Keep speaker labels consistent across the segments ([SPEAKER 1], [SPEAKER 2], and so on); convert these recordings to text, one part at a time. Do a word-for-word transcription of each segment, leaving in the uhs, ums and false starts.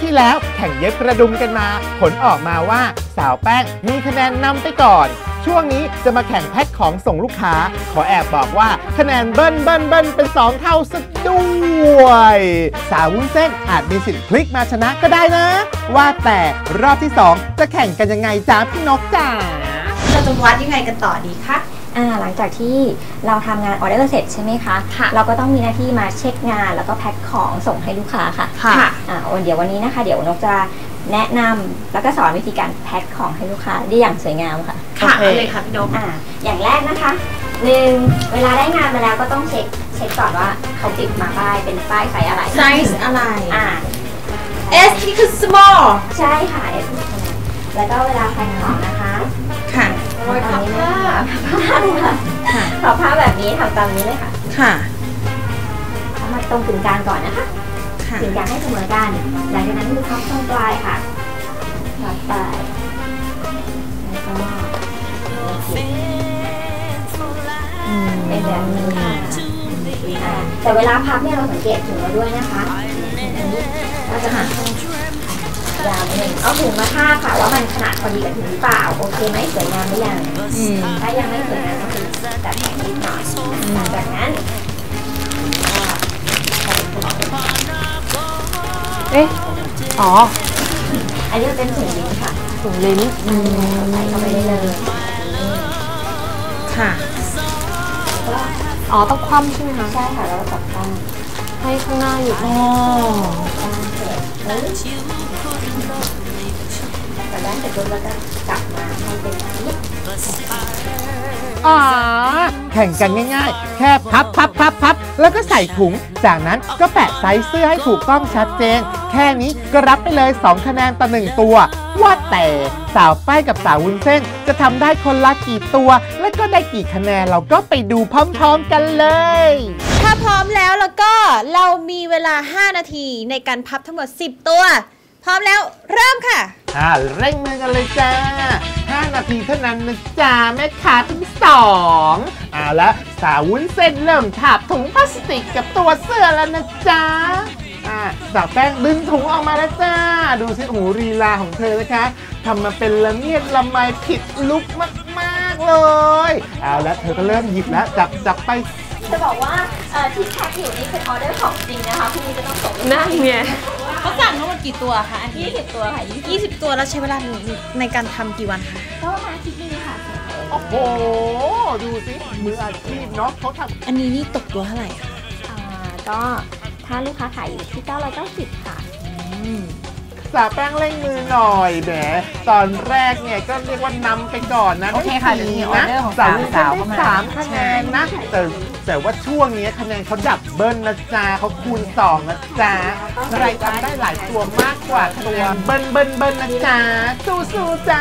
[SPEAKER 1] ที่แล้วแข่งเย็บกระดุมกันมาผลออกมาว่าสาวแป้งมีคะแนนนำไปก่อนช่วงนี้จะมาแข่งแพ็คของส่งลูกค้าขอแอบบอกว่าคะแนนเบิ้ลเบิ้ลเบิ้ลเป็นสองเท่าซะด้วยสาววุ้นเส้นอาจมีสิทธิ์พลิกมาชนะก็ได้นะว่าแต่รอบที่สองจะแข่งกันยังไงจ้าพี่นกจ๋า
[SPEAKER 2] เราจะวัดยังไงกันต่อดีคะ
[SPEAKER 3] อ่าหลังจากที่เราทำงานออเดอร์เสร็จใช่ไหมคะค่ะเราก็ต้องมีหน้าที่มาเช็คงานแล้วก็แพ็คของส่งให้ลูกค้าค่ะค่ะอ่าเดี๋ยววันนี้นะคะเดี๋ยวนกจะแนะนำแล้วก็สอนวิธีการแพ็คของให้ลูกค้าได้อย่างสวยงามค่ะ
[SPEAKER 2] ค่ะเลยค่ะพี่นก
[SPEAKER 3] อ่าอย่างแรกนะคะหนึ่งเวลาได้งานมาแล้วก็ต้องเช็คเช็คก่อนว่าเขาติดมาป้ายเป็นป้ายไซส์อะไร
[SPEAKER 2] ไซส์อะไร
[SPEAKER 3] อ่า
[SPEAKER 2] S ที่คือ small
[SPEAKER 3] ใช่ค่ะ S แล้วก็เวลาแพ็คของนะคะ
[SPEAKER 2] ค่ะ
[SPEAKER 3] ทำตามนี้เลยค่ะค่ะขอผ้าแบบนี้ทำตามนี้เลยค่ะ
[SPEAKER 2] ค่ะ
[SPEAKER 3] ทำมาตรงกึ่งกลางก่อนนะคะกึ่งกลางให้เสมอกันหลังจากนั้นมือพับตรงปลายค่ะพับไปแล้วก็เป็นแบบนี้ค่ะแต่เวลาพับเนี่ยเราสังเกตถุงเราด้วยนะคะเราจะหันยาวหนึ่งเอาถุงมาทาบค่ะว่ามันขนาดพอดีกับถุงหรือเปล่าโอเคไหมสวยงามหรือยังถ้ายังไม่สวยงามก็คือตัดแต่งนิดหน่อยจากนั้น
[SPEAKER 4] เอ๊ะอ๋อ
[SPEAKER 3] อันนี้เป็นถุงลิ้นค่ะ
[SPEAKER 4] ถุงลิ้น
[SPEAKER 3] ใส่เข้าไปได้เลย
[SPEAKER 2] ค่ะ
[SPEAKER 4] อ๋อต้องคว่ำใช่ไหมคะ
[SPEAKER 3] ใช่ค่ะแล้วจับตั้ง
[SPEAKER 4] ให้ข้างหน้าอยู่
[SPEAKER 2] อ๋อ
[SPEAKER 3] แต่ด้านเสร็จแล้วก็กลับมาให้เป็นแบบนี้
[SPEAKER 1] อ๋อแข่งกันง่ายๆแค่พับพับพับพับแล้วก็ใส่ถุงจากนั้นก็แปะไซส์เสื้อให้ถูกต้องชัดเจนแค่นี้ก็รับไปเลยสองคะแนนต่อหนึ่งตัวว่าแต่สาวป้ายกับสาววุ้นเส้นจะทำได้คนละกี่ตัวและก็ได้กี่คะแนนเราก็ไปดูพร้อมๆกันเลย
[SPEAKER 2] ถ้าพร้อมแล้วแล้วก็เรามีเวลาห้านาทีในการพับทั้งหมดสิบตัวพร้อมแล้วเริ่มค่ะ
[SPEAKER 1] อ่าเร่งมือกันเลยจ้าห้านาทีเท่านั้นนะจ้าแม่ค้าทั้งสองอ่าแล้วสาววุ้นเส้นเริ่มถาบถุงพลาสติกกับตัวเสื้อแล้วนะจ้าอ่าสาวแป้งดึงถุงออกมาแล้วจ้าดูสิหูรีลาของเธอนะคะทำมาเป็นละเมียดละไมผิดลุกมากๆเลยเอาแล้วเธอก็เริ่มหยิบแล้วจับจับไป
[SPEAKER 3] จะบอกว่าที่แพ็คอยู่นี่เป็นออเดอร์ของจริงนะคะพรุ่งนี้จะต้องส่ง
[SPEAKER 4] นั่นไง
[SPEAKER 2] เขาสั่งทั้งหมดกี่ตัวคะ
[SPEAKER 3] ยี่สิบตัวค่ะ
[SPEAKER 2] ยี่สิบตัวแล้วใช้เวลาในการทำกี่วันคะ
[SPEAKER 3] ก็ประมาณอาทิตย์นึงค่ะ
[SPEAKER 1] โอ้โหดูสิมืออาชีพเนาะเขาทำ
[SPEAKER 2] อันนี้นี่ตกตัวเท่าไหร่คะ
[SPEAKER 3] อ่าก็ถ้าลูกค้าขายอยู่ที่เก้าร้อยเก้าสิบค่ะ
[SPEAKER 1] สาวแป้งเร่งมือหน่อยแหมตอนแรกเนี่ยก็เรียกว่านำไปก่อนนะ
[SPEAKER 2] โอเคค่ะดีนะ
[SPEAKER 1] สาวสาวสามคะแนนนะแต่แต่ว่าช่วงนี้คะแนนเขาดับเบิ้ลนะจ๊ะเขาคูณสองนะจ๊ะใครทำได้หลายตัวมากกว่าตัวเบิ้ลเบิ้ลเบิ้ลนะจ๊ะสู้สู้จ้า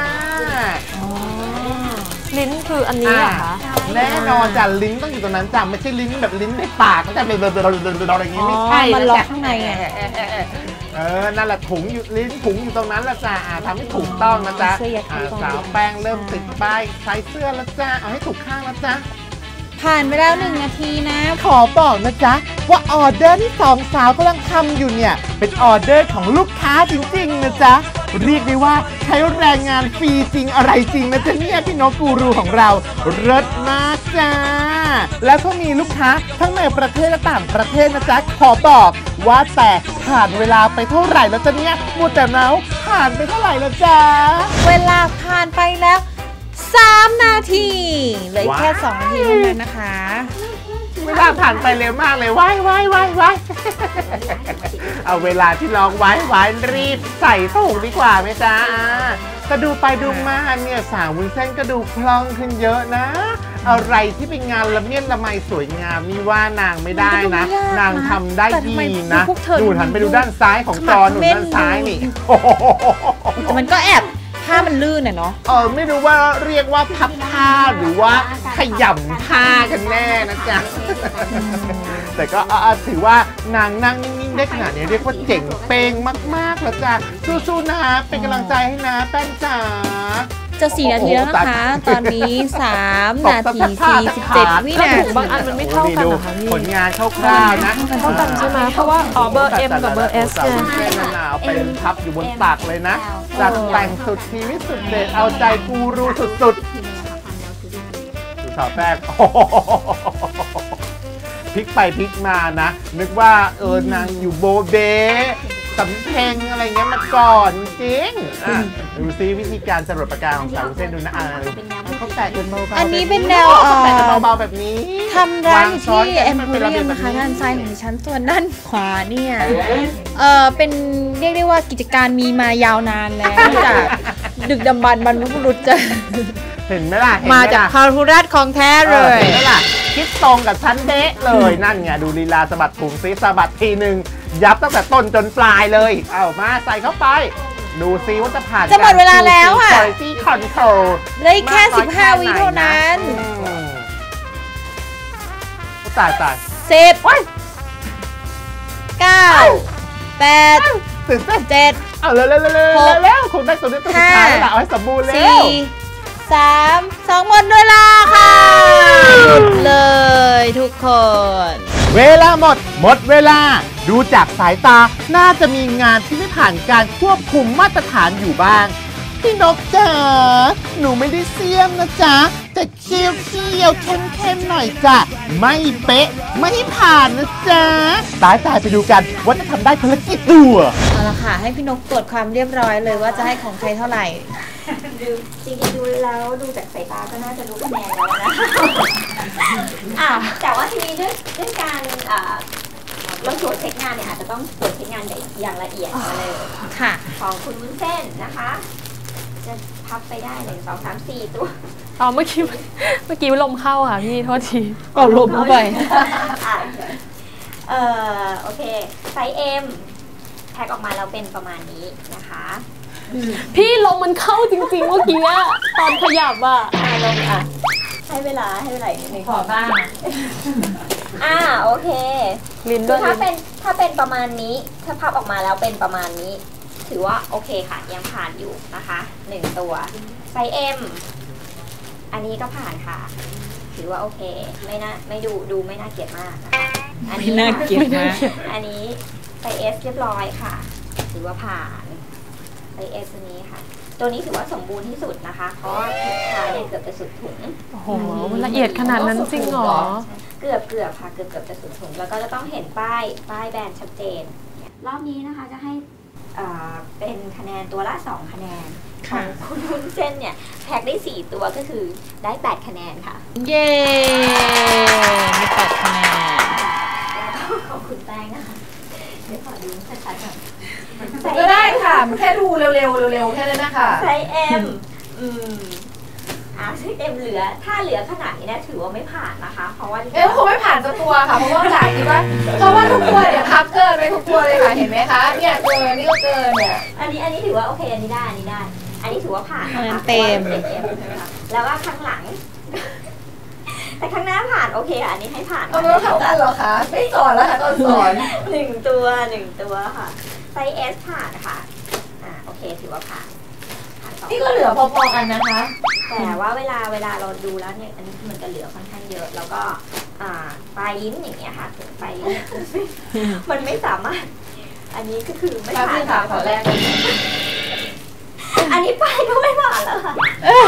[SPEAKER 4] ลิ้นคืออันนี้เหรอคะ
[SPEAKER 1] แน่นอนจ้ะลิ้นต้องอยู่ตรงนั้นจ้ะไม่ใช่ลิ้นแบบลิ้นในปากก็จะเป็นอะไรอย่างนี้ไม่ใช่
[SPEAKER 2] มันล็อกข้างในไง
[SPEAKER 1] เออนั่นแหละถุงอยู่ลิ้นถุงอยู่ตรงนั้นละจ้าทำให้ถูกต้องนะจ๊ะสาวแป้งเริ่มติดป้ายใส่เสื้อแล้วจ้าเอาให้ถูกข้างแล้วจ้า
[SPEAKER 2] ผ่านไปแล้วหนึ่งนาทีนะ
[SPEAKER 1] ขอบอกนะจ๊ะว่าออเดอร์ที่สองสาวกำลังทำอยู่เนี่ยเป็นออเดอร์ของลูกค้าจริงๆนะจ๊ะเรียกได้ว่าใช้แรงงานฟรีจริงอะไรจริงนะจ๊ะเนี่ยพี่นกกูรูของเราเลิศมากจ้าแล้วก็มีลูกค้าทั้งในประเทศและต่างประเทศนะจ๊ะขอบอกว่าแต่ผ่านเวลาไปเท่าไหร่แล้วจ๊ะเนี่ยมูแต่เมาผ่านไปเท่าไหร่แล้วจ้า
[SPEAKER 2] เวลาผ่านไปแล้วสามนาทีเหลือแค่สองนาทีเท่านั้นนะคะ
[SPEAKER 1] เวลาผ่านไปเร็วมากเลยว้ายว้ายว้ายว้ายเอาเวลาที่ร้องไว้ไว้รีบใส่ถุงดีกว่าไหมจ๊ะก็ดูไปดูมาเนี่ยสาววุ้นเส้นก็ดูคล่องขึ้นเยอะนะอะไรที่เป็นงานละเมียดละไมสวยงามนี่ว่านางไม่ได้นะนางทำได้ดีนะดูหันไปดูด้านซ้ายของจอหนุนด้านซ้ายนี่
[SPEAKER 2] มันก็แอบผ้ามันลื่นน่ะเนาะ
[SPEAKER 1] เออไม่รู้ว่าเรียกว่าพับผ้าหรือว่าขยำผ้ากันแน่นะจ๊ะแต่ก็ถือว่านางนั่งนิ่งๆได้ขนาดนี้เรียกว่าเจ๋งเป้งมากๆแล้วจ้ะสู้ๆนะเป็นกำลังใจให้นะแป้งจ๋า
[SPEAKER 2] จะสี่นาทีแล้วนะคะ ตอนนี้สามนาทีสี่สิบเจ็ดวินาที
[SPEAKER 4] บางอันมันไม่เท่ากันเหรอคะพี่
[SPEAKER 1] ผลงานคร่าวๆนะ
[SPEAKER 4] เท่ากันใช่ไหมเพราะว่าอ๋อเบอร์ M กับเบอร์ S
[SPEAKER 1] สาว
[SPEAKER 4] เนี่ย
[SPEAKER 1] วุ้นเส้นนั่นน่ะเอาไปพับอยู่บนตักเลยนะจัดแต่งสุดชีวิตสุดเด็ดเอาใจกูรูสุดๆดูสาวแป้งโอ้โหพลิกไปพลิกมานะ นึกว่าเออนางอยู่โบเบสำเพ็งอะไรเงี้ยมาก่อนจริงอ่ะดูซิวิธีการจรดปากกาของสาววุ้นเส้นดูนะอ่ะเขาแตะกันเบาๆ
[SPEAKER 2] อันนี้เป็นแนวเอ่
[SPEAKER 1] เขาแตะกัน
[SPEAKER 2] อ
[SPEAKER 1] เบาๆแบบนี้
[SPEAKER 2] ทำร้านอยู่ที่
[SPEAKER 1] วางช้
[SPEAKER 2] เอ็
[SPEAKER 1] น
[SPEAKER 2] ม
[SPEAKER 1] กั
[SPEAKER 2] โพ
[SPEAKER 1] ให้
[SPEAKER 2] เรียม
[SPEAKER 1] ป็
[SPEAKER 2] นะคะ
[SPEAKER 1] แบบ
[SPEAKER 2] ด้านซ้ายของดิฉันส่วนด้านขวาเนี่ยเออเป็นเรียกได้ว่ากิจการมีมายาวนานแล้วจากดึกดำบรรพ์บรรพบุรุษจะ
[SPEAKER 1] เห็นไหมล่ะเห็นไห
[SPEAKER 2] มาจาก
[SPEAKER 1] ล่ะ
[SPEAKER 2] พาหุรัตของแท้เลย
[SPEAKER 1] เห็นไหมล่ะคิดตรงกับฉันเดะเลยนั่นไงดูลีลาสะบัดถุงซิสะบัดทีหนึ่งยับตั้งแต่ต้นจนปลายเลยเอามาใส่เข้าไปดูซิว่าจะผ่าน
[SPEAKER 2] จะหมดเวลาแล้วอะ
[SPEAKER 1] การ quality control
[SPEAKER 2] เหลืออีกแค่สิบห้าวิเท่านั้น
[SPEAKER 1] อืมตายตาย
[SPEAKER 2] สิบเก้าแปด
[SPEAKER 1] ตื่นเต้น
[SPEAKER 2] เจ็ด
[SPEAKER 1] เอาเร็วเร็วเร็วเร็ว
[SPEAKER 2] หก
[SPEAKER 1] เร็วคุณได้ตัวนี้ตัวสุดท้ายแล้วล่ะเอาให้สมบูรณ์เร็
[SPEAKER 2] สี่
[SPEAKER 1] ว
[SPEAKER 2] สามสองหมดเวลาค่ะหมดเลยทุกคน
[SPEAKER 1] เวลาหมด หมดเวลา ดูจากสายตา น่าจะมีงานที่ไม่ผ่านการควบคุมมาตรฐานอยู่บ้าง พี่นกจ๋า หนูไม่ได้เสียมนะจ๊ะ แต่เคี้ยวเคี้ยวเข้มเข้มๆหน่อยจ้ะ ไม่เป๊ะ ไม่ผ่านนะจ๊ะ ตายตายไปดูกันว่าจะทำได้คนละกี่ตัว
[SPEAKER 2] เอาละค่ะ ให้พี่นกตรวจความเรียบร้อยเลยว่าจะให้ของใครเท่าไหร่
[SPEAKER 3] ดูจริงๆดูแล้วดูจากสายตาก็น่าจะรู้คะแนนแล้วนะ อ่ะแต่ว่าทีนี้ด้วยด้วยการอ่าเราตรวจเช็คงานเนี่ยอาจจะต้องตรวจเช็คงานอย่างละเอียดมาเลย
[SPEAKER 2] ค่ะ
[SPEAKER 3] ของคุณวุ้นเส้นนะคะ จะพับไปได้หนึ่งสองสามสี่ตัว
[SPEAKER 4] อ๋อเมื่อกี้เมื่อกี้ลมเข้าค่ะพี่โทษที
[SPEAKER 2] เป่าลมเข้าไป
[SPEAKER 3] อ่ะเอ่อโอเคไซส์ M แพ็คออกมาแล้วเป็นประมาณนี้นะคะ
[SPEAKER 4] พี่ลมมันเข้าจริงๆเมื่อกี้อะตอนขยับอะ
[SPEAKER 3] อ่ะลงอ่ะให้เวลาให้เวลาอีกนิดนึงขอบ้างอ่าโอเค
[SPEAKER 4] ลิ้น
[SPEAKER 3] คื
[SPEAKER 4] ด้ว
[SPEAKER 3] อย ถ้าเป็นถ้าเป็นประมาณนี้ถ้าพับออกมาแล้วเป็นประมาณนี้ ถือว่าโอเคค่ะยังผ่านอยู่นะคะหนึ่งตัวไซส์ M อันนี้ก็ผ่านค่ะ ถือว่าโอเคไม่น่าไม่ดูดูไม่น่าเกลียดมากนะคะอันนี้
[SPEAKER 2] ไม่น่าเกลียดมาก
[SPEAKER 3] อันนี้ไซส์ S เรียบร้อยค่ะ ถือว่าผ่านไซส์ S ตัวนี้ค่ะ ตัวนี้ถือว่าสมบูรณ์ที่สุดนะคะ เพราะว่าทุกขาเนี่ยเกือบจะสุดถุง
[SPEAKER 4] โอ้โหมันละเอียดขนาดนั้นจริงเหรอ
[SPEAKER 3] เกือบเกือบค่ะเกือบเกือบจะสุดถุงแล้วก็จะต้องเห็นป้ายป้ายแบรนด์ชัดเจนรอบนี้นะคะจะให้อ่าเป็นคะแนนตัวละสองคะแนนของคุณวุ้นเส้นเนี่ยแพ็คได้สี่ตัวก็คือได้แปดคะแนนค่ะ
[SPEAKER 2] เย้มีแปดคะแนน
[SPEAKER 3] แล้วก็ของคุณแป้งนะคะเดี๋ยวขอดูชัดๆก่อน
[SPEAKER 5] ก็ได้ค่ะแค่ดูเร็วๆเร็วๆแค่นั้นนะคะ
[SPEAKER 3] ไซส์ M อืมอ่าไซส์ M เหลือถ้าเหลือขนาดนี้เนี่ยถือว่าไม่ผ่านนะคะ เพราะว่า
[SPEAKER 5] เอ๊ะคงไม่ผ่านสักตัวค่ะเพราะว่าจ่ายคิดว่าเพราะว่าทุกตัวเนี่ยพับเกินไปทุกตัวเลยค่ะเห็นไหมคะเนี่ยเกินนี่ก็เกินเนี่ย
[SPEAKER 3] อันนี้อันนี้ถือว่าโอเคอันนี้ได้อันนี้ได้ อันนี้ถือว่าผ่านนะคะ
[SPEAKER 2] เต็ม
[SPEAKER 3] พราะว่าเป็น M ใช่ไหมคะแล้วก็ข้างหลัง แต่ข้างหน้าผ่านโอเคค่ะอันนี้ให้ผ่าน
[SPEAKER 5] เอาไม่ต้องทำกันเหรอคะไม่สอนแล้วค่ะตอนสอน
[SPEAKER 3] หนึ่งตัวหนึ่งตัวค่ะไซส์ S ผ่านค่ะอ่าโอเคถือว่าผ่านผ่านสอง
[SPEAKER 5] นี่ก็เหลือพอๆกันนะคะ
[SPEAKER 3] แต่ว่าเวลาเวลาเราดูแล้วเนี่ยอันนี้มันจะเหลือค่อนข้างเยอะ แล้วก็อ่าปลายลิ้นอย่างเงี้ยค่ะถึงปลายลิ้นเนี่ยมันไม่สามารถ อันนี้ก็คือไม่
[SPEAKER 5] แป๊บ
[SPEAKER 3] ผ่า
[SPEAKER 5] นึ
[SPEAKER 3] น
[SPEAKER 5] งค่ะขอแรกเลย
[SPEAKER 3] อันนี้ปลายก็ไม่ผ่านแล้วค่ะ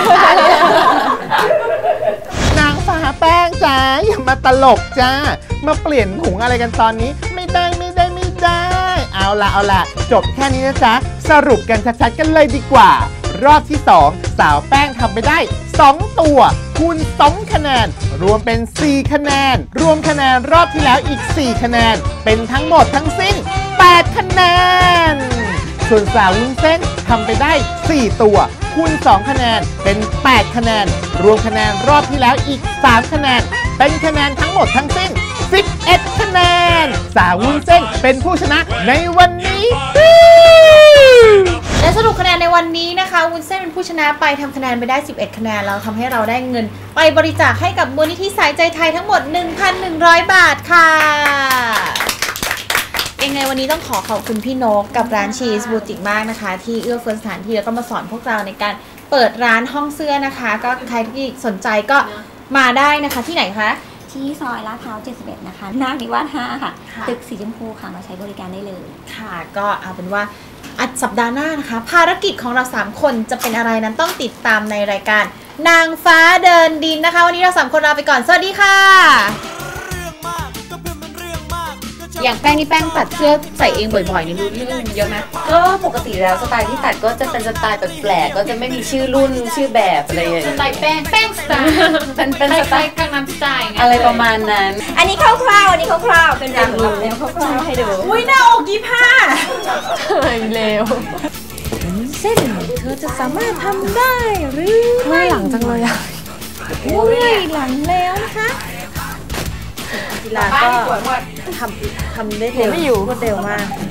[SPEAKER 1] นางฟ้าแป้งจ้าอย่ามาตลกจ้า มาเปลี่ยนถุงอะไรกันตอนนี้ ไม่ได้ไม่ได้ไม่ได้ เอาละเอาละจบแค่นี้นะจ๊ะ สรุปกันชัดๆกันเลยดีกว่า รอบที่สองสาวแป้งทำไปได้สองตัวคูณสองคะแนน รวมเป็นสี่คะแนน รวมคะแนนรอบที่แล้วอีกสี่คะแนน เป็นทั้งหมดทั้งสิ้นแปดคะแนน ส่วนสาววุ้นเส้นทำไปได้สี่ตัวคูณสองคะแนนเป็นแปดคะแนน รวมคะแนนรอบที่แล้วอีกสามคะแนน เป็นคะแนนทั้งหมดทั้งสิ้นสิบเอ็ดคะแนน สาววุ้นเส้นเป็นผู้ชนะในวันนี้
[SPEAKER 2] และสรุปคะแนนในวันนี้นะคะวุ้นเส้นเป็นผู้ชนะไปทำคะแนนไปได้สิบเอ็ดคะแนนแล้วทำให้เราได้เงินไปบริจาคให้กับมูลนิธิสายใจไทยทั้งหมด หนึ่งพันหนึ่งร้อย บาทค่ะยังไงวันนี้ต้องขอขอบคุณพี่นกกับร้านชีสบูติกมากนะคะที่เอื้อเฟื้อสถานที่แล้วก็มาสอนพวกเราในการเปิดร้านห้องเสื้อนะคะ ก็ใครที่สนใจก็มาได้นะคะที่ไหนคะ
[SPEAKER 3] ที่ซอยลาดพร้าวเจ็ดสิบเอ็ดนะคะนาคนิวาสห้าค่ะตึกสีชมพูค่ะมาใช้บริการได้เลย
[SPEAKER 2] ค่ะก็เอาเป็นว่าสัปดาห์หน้านะคะภารกิจของเราสามคนจะเป็นอะไรนั้นต้องติดตามในรายการนางฟ้าเดินดินนะคะวันนี้เราสามคนลาไปก่อนสวัสดีค่ะอย่างแป้งนี่แป้งตัดเสื้อใส่เองบ่อยๆนี่รู้เรื่องเยอะไหม
[SPEAKER 5] ก็ปกติแล้วสไตล์ที่ตัดก็จะเป็นสไตล์แบบแปลกก็จะไม่มีชื่อรุ่นชื่อแบบอะไรอย่างเงี้ย
[SPEAKER 2] สไตล์แป้งแป้งสไตล์
[SPEAKER 5] เป็นเป็นสไตล์
[SPEAKER 2] กังนัมสไตล์
[SPEAKER 5] อะไรประมาณนั้น
[SPEAKER 3] อันนี้คร่าวๆอันนี้คร่าวๆเป็นแบบเร็วคร่าวๆให้ดู
[SPEAKER 2] อุ้ยหน้าอกยี่ห้า
[SPEAKER 4] เร็ว
[SPEAKER 2] เส้นเธอจะสามารถทำได้หรือ
[SPEAKER 4] ไม่หลังจังเลยอ่ะ
[SPEAKER 2] อุ้ยหลังแล้วนะคะกีฬาก็ทำทำได้เร็วรวดเร็วมาก